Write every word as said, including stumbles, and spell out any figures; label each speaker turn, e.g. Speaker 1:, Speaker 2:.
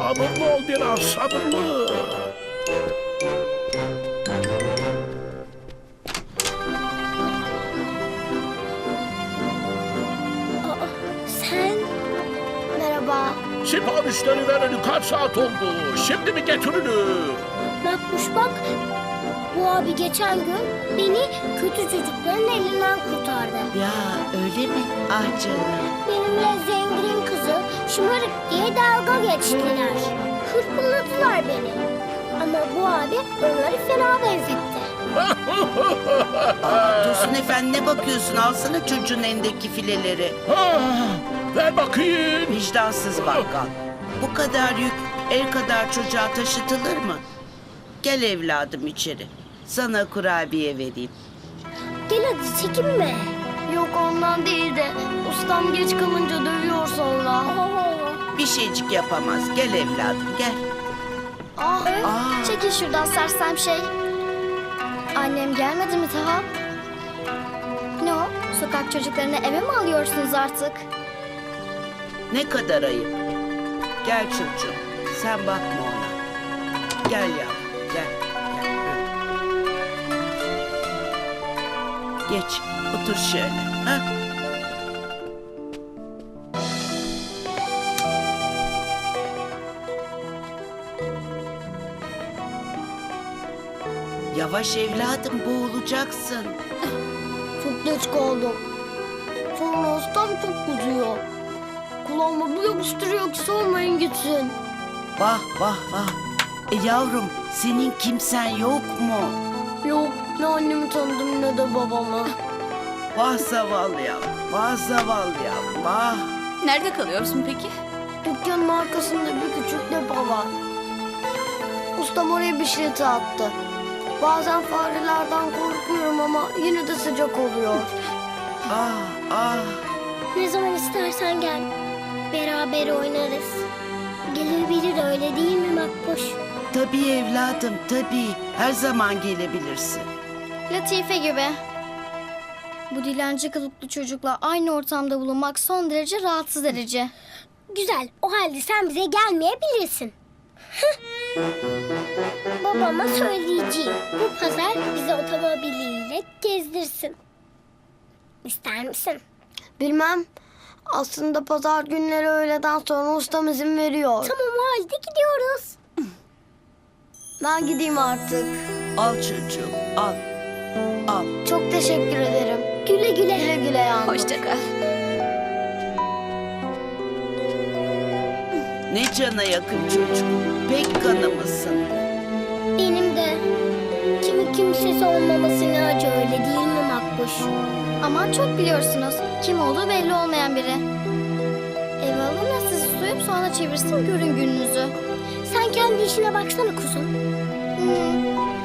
Speaker 1: Sabırlı ol biraz, sabırlı.
Speaker 2: Aa, sen? Merhaba.
Speaker 1: Siparişleri vereli kaç saat oldu? Şimdi mi getirilir?
Speaker 2: Makbuş bak. Bu abi geçen gün beni kötü çocukların elinden kurtardı.
Speaker 3: Ya öyle mi? Ah canım.
Speaker 2: Benimle zengin kızı şımarık diye dalga geçtiler. Hırpaladılar beni. Ama bu abi onları fena benzetti.
Speaker 3: Aa, Dursun Efendi ne bakıyorsun? Alsana çocuğun elindeki fileleri.
Speaker 1: Ah, ver bakayım.
Speaker 3: Vicdansız bakkal. Bu kadar yük el kadar çocuğa taşıtılır mı? Gel evladım içeri. Sana kurabiye vereyim.
Speaker 2: Gel hadi çekinme. Yok ondan değil de ustam geç kalınca dövüyor sonra.
Speaker 3: Bir şeycik yapamaz. Gel evladım gel.
Speaker 2: Ah,
Speaker 3: Aa.
Speaker 2: çekil şuradan sersem şey. Annem gelmedi mi daha? Ne o? Sokak çocuklarını eve mi alıyorsunuz artık?
Speaker 3: Ne kadar ayıp. Gel çocuğum. Sen bakma ona. Gel yavrum gel. gel. Geç otur şöyle. Ha? Yavaş evladım boğulacaksın.
Speaker 2: Çok geç kaldım. Sonra ustam çok kızıyor. Kulağıma bir yapıştırıyor ki sormayın gitsin.
Speaker 3: Vah vah vah. E yavrum senin kimsen yok mu?
Speaker 2: Yok ne annemi tanıdım ne de babamı.
Speaker 3: Vah zavallı yavrum. Vah zavallı yavrum. Vah.
Speaker 4: Nerede kalıyorsun peki?
Speaker 2: Dükkanın arkasında bir küçük depo var. Ustam oraya bir şilete attı. Bazen farelerden korkuyorum ama yine de sıcak oluyor.
Speaker 3: Ah ah.
Speaker 2: Ne zaman istersen gel. Beraber oynarız. Gelebilir öyle değil mi Makbuş?
Speaker 3: Tabii evladım tabii. Her zaman gelebilirsin.
Speaker 5: Latife gibi. Bu dilenci kılıklı çocukla aynı ortamda bulunmak son derece rahatsız edici.
Speaker 2: Güzel. O halde sen bize gelmeyebilirsin. Babama söyleyeceğim. Bu pazar bizi otomobiliyle gezdirsin. İster misin? Bilmem. Aslında pazar günleri öğleden sonra ustam izin veriyor. Tamam o halde gidiyoruz. Ben gideyim artık.
Speaker 3: Al çocuğum al. Al.
Speaker 2: Çok teşekkür ederim. Güle güle. Güle güle yavrum.
Speaker 4: Hoşça kal.
Speaker 3: Ne cana yakın çocuk. Pek kanımısın.
Speaker 2: Benim de. Kimi kimsesi olmaması ne acı öyle değil mi Makbuş?
Speaker 5: Ama çok biliyorsunuz. Kim olduğu belli olmayan biri. Eve alın da sizi soyup sonra çevirsin görün gününüzü.
Speaker 2: Sen kendi işine baksana kuzum.
Speaker 5: Hmm,